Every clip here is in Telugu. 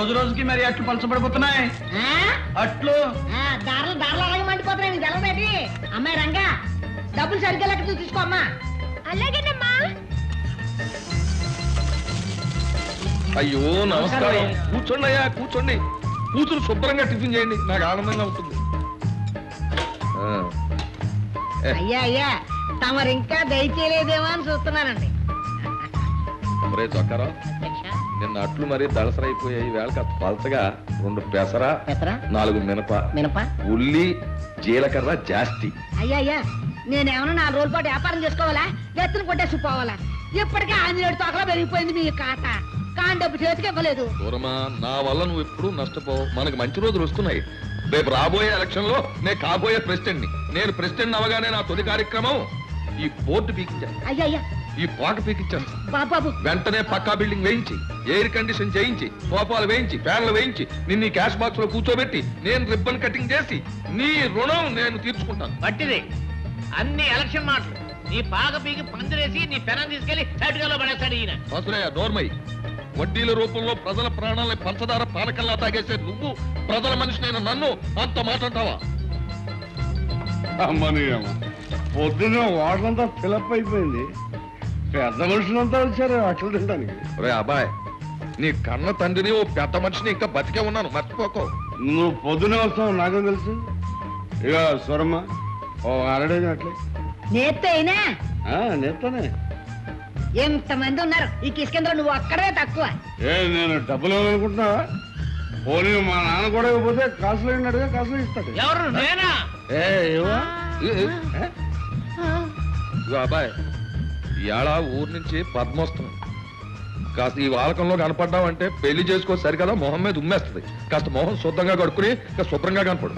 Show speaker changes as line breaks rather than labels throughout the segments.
రోజు రోజుకి మరి అట్లు పలచబడిపోతున్నాయి. అట్లు
దారులు దారులు అలాగే మండిపోతున్నాయి. నీకు తెలవేటి? అమ్మాయి రంగా డబ్బులు సరిగ్గా లెక్క తీసుకో అమ్మా.
అలాగేనమ్మా.
అయ్యో నమస్కారం. కూర్చోండి అయ్యా, కూర్చోండి. కూతురు శుభ్రంగా టిఫిన్ చేయండి, నాకు ఆనందంగా ఉంటుంది.
అయ్యా అయ్యా తమరు ఇంకా దయచేయలేదేమో అని చూస్తున్నానండి.
మరే చొక్కారా, నిన్న అట్లు మరీ దళసరైపోయాయి. వేళ పలచగా 2 పెసర, 4 మినప, ఉల్లి, జీలకర్ర జాస్తి.
అయ్యా అయ్యా నేనేమన్నా 4 రోజుల పాటు వ్యాపారం చేసుకోవాలా? ఎత్తున కొట్టేసి పోవాలా? ఇప్పటికే ఆంజనేయుడు తోకలో పెరిగిపోయింది మీ కాట. కాని డబ్బు చేతికి ఇవ్వలేదు.
దూరమా, నా వల్ల నువ్వు ఎప్పుడు నష్టపోవు. మనకు మంచి రోజులు వస్తున్నాయి. రేపు రాబోయే ఎలక్షన్ లో నేను కాబోయే ప్రెసిడెంట్ ని. నేను ప్రెసిడెంట్ అవగానే నా తొలి కార్యక్రమం ఈ బోర్డు పీకించాను.
అయ్యా అయ్యా
ఈ పాక పీకించాను.
బాబు
వెంటనే పక్కా బిల్డింగ్ వేయించి, ఎయిర్ కండిషన్ చేయించి, సోఫాలు వేయించి, ఫ్యాన్లు వేయించి, నిన్ను క్యాష్ బాక్స్ లో కూర్చోబెట్టి నేను రిబ్బన్ కటింగ్ చేసి నీ రుణం నేను తీర్చుకుంటాను.
పట్టిది అన్ని ఎలక్షన్ మాటలు. నీ పాక పీకి పందిరేసి నీ పెనం తీసుకెళ్లి సైడ్గాలో పడేస్తాడు ఈయన.
వసులయ్య నోర్మై, వడ్డీల రూపంలో ప్రజల ప్రాణాలని పంచదార పానకల్లా తాగేసే నువ్వు ప్రజల మనిషినైన నన్ను అంత మాట్లాడతావా?
అమ్మని అమ్మ, పొద్దున్న వాటంతా ఫిలప్ అయిపోయింది. పెద్ద మనుషులంతా వచ్చారు అట్లు తినడానికి.
రే అబ్బాయ్, నీ కన్న తండ్రిని ఓ పెద్ద మనిషిని ఇంకా బతికే ఉన్నాను, మర్చిపోకో.
నువ్వు పొద్దునే వస్తావు నాకేం తెలుసు. ఇక స్వరమ్మ ఓ అరడేది అట్లే
నేత్తే అయినా
నేస్తానే.
ఎంతమంది ఉన్నారు ఈ కిష్కేంద్ర, నువ్వు అక్కడే తక్కువ.
నేను డబ్బులు అనుకుంటున్నావా? పోనీ మా నాన్న కూడా ఇవ్వకపోతే కాసులు అయినట్టుగా కాసులు ఇస్తాడు.
ఎవరు? నేనా?
అబ్బాయ్, ఇవాళ ఊరు నుంచి పద్మోత్సవం. కాస్త ఈ వాలకంలో కనపడ్డావంటే పెళ్లి చేసుకో సరికదా మొహం మీద ఉమ్మేస్తుంది. కాస్త మొహం శుద్ధంగా కడుక్కుని శుభ్రంగా కనపడు.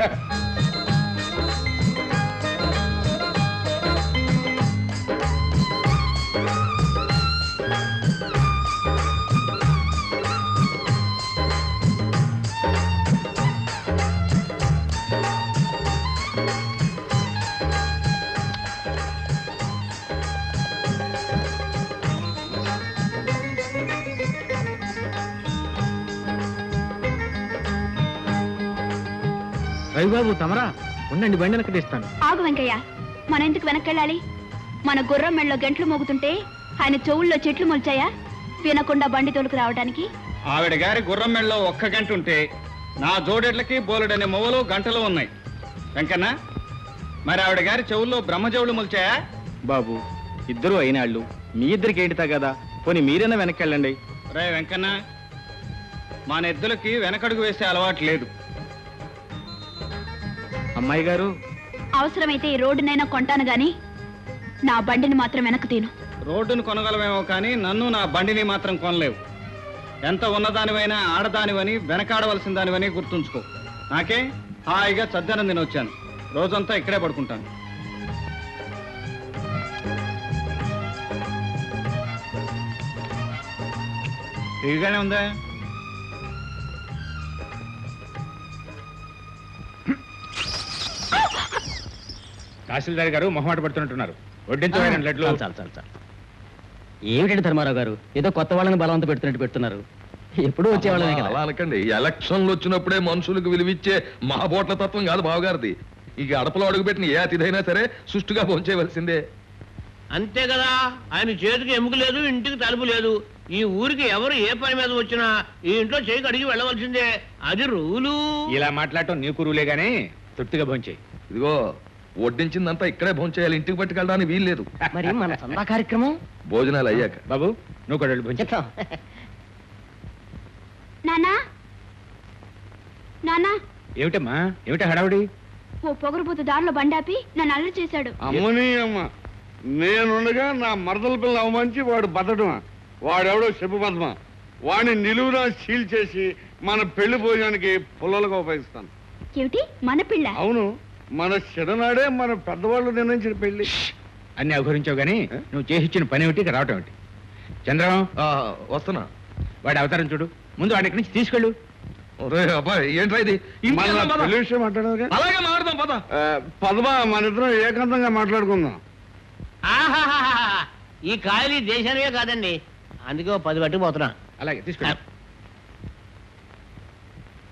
రవిబాబు తమరా ఉండండి, బండి వెనక్కి తీస్తాను.
ఆగు వెంకయ్య, మన ఎందుకు వెనక్కెళ్ళాలి? మన గుర్రం మెళ్ళలో గంటలు మోగుతుంటే ఆయన చెవుల్లో చెట్లు మొలిచాయా వినకుండా బండి తోలుకు రావడానికి?
ఆవిడ గారి గుర్రం మెళ్ళలో 1 గంట ఉంటే నా జోడెడ్లకి బోలెడనే మొవలు గంటలు ఉన్నాయి. వెంకన్న, మరి ఆవిడ గారి చెవుల్లో బ్రహ్మజవులు మొలిచాయా?
బాబు, ఇద్దరు అయినాళ్ళు, మీ ఇద్దరికి ఏంటితా కదా, పోనీ మీరైనా వెనక్కెళ్ళండి.
రే వెంకన్న, మా నెద్దులకి వెనకడుగు వేసే అలవాటు లేదు.
అమ్మాయి గారు,
అవసరమైతే ఈ రోడ్డునైనా కొంటాను గాని నా బండిని మాత్రం వెనక్కు తీను.
రోడ్డును కొనగలమేమో కానీ నన్ను నా బండిని మాత్రం కొనలేవు. ఎంత ఉన్నదానివైనా ఆడదానివని వెనకాడవలసిన దానివని గుర్తుంచుకో. నాకే హాయిగా చద్దనం తినొచ్చాను. రోజంతా ఇక్కడే పడుకుంటాను. ఇదిగానే ఉందా?
తహసీల్దార్ గారు మొహమాట పడుతున్నట్టున్నారు. వడ్డించమైన లడ్లు.
చాలు చాలు చాలు. ఏమిటండి ధర్మారావు గారు, ఏదో కొత్త వాళ్ళని బలవంత పెడుతున్నట్టు పెడుతున్నారు. ఎప్పుడు వచ్చేవాళ్ళమే కదా.
అలా అనకండి. ఎలక్షన్లు వచ్చినప్పుడే మనుషులకు విలువిచ్చే మహాబోట్ల తత్వం కాదు బావగారిది. ఇక అడపలో అడుగుపెట్టిన ఏ అతిథైనా సరే సుష్టుగా భోంచేయవలసిందే.
అంతే కదా. ఆయన చేతికి ఎముక లేదు, ఇంటికి తలుపు లేదు. ఈ ఊరికి ఎవరు ఏ పని మీద వచ్చినా ఈ ఇంట్లో చేయికి అడిగి వెళ్ళవలసిందే. అది రూలు.
ఇలా మాట్లాడటం నీకు రూలే గానీ తృప్తిగా భోంచేయి.
ఇదిగో వడ్డించిందంతా ఇక్కడే భోంచేయాలి, ఇంటికి పట్టుకెళ్ళడానికి వీల్లేదు.
మరి మన సందా కార్యక్రమం
భోజనాలు అయ్యాక.
బాబు, నువ్వు కూడా వెళ్ళి భోంచే.
నానా నానా,
ఏమిటమ్మా, ఏమిటా హడావుడి?
ఓ పొగరుబోతు దారిలో బండాపి నన్ను అల్లరి చేశాడు.
అమ్మని అమ్మ, నేనుండగా నా మరదల పిల్ల అవమానించి వాడు బతడమా? వాడెవడో చెప్పు పద్మ. వాడిని నిలువునా సీల్ చేసి మన పెళ్లి భోజనానికి పుల్లలుగా ఉపయోగిస్తాను.
ఏమిటి మన పిల్ల?
అవును, మన చిన్ననాడే మన పెద్దవాళ్ళు నిర్ణయించిన పెళ్లి.
అన్ని అఘోరించావు గానీ నువ్వు చేసిచ్చిన పని ఏమిటి, రావటం ఏమిటి? చంద్రం,
వస్తున్నా.
వాడి అవతారం చూడు. ముందు వాడి నుంచి తీసుకెళ్ళు.
అబ్బాయి, ఏంట్రా ఇది?
పెళ్లి విషయం మాట్లాడదు.
అలాగే మాట్లాడదాం పద.
పద్మ, మన ఇద్దరం ఏకాంతంగా మాట్లాడుకుందాం.
ఆహాహా, ఈ కాయలు దేశానివే కాదండి, అందుకే 10 పట్టుకుపోతున్నా.
అలాగే తీసుకెళ్ళు.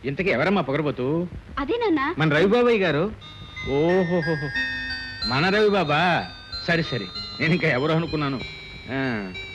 ఇంతకీ ఎవరమ్మా పొగరబోతు?
అదే నాన్న.
మన రవిబాబాయ్ గారు. ఓహోహో, మన రవిబాబా. సరే సరే, నేను ఇంకా ఎవరు అనుకున్నాను.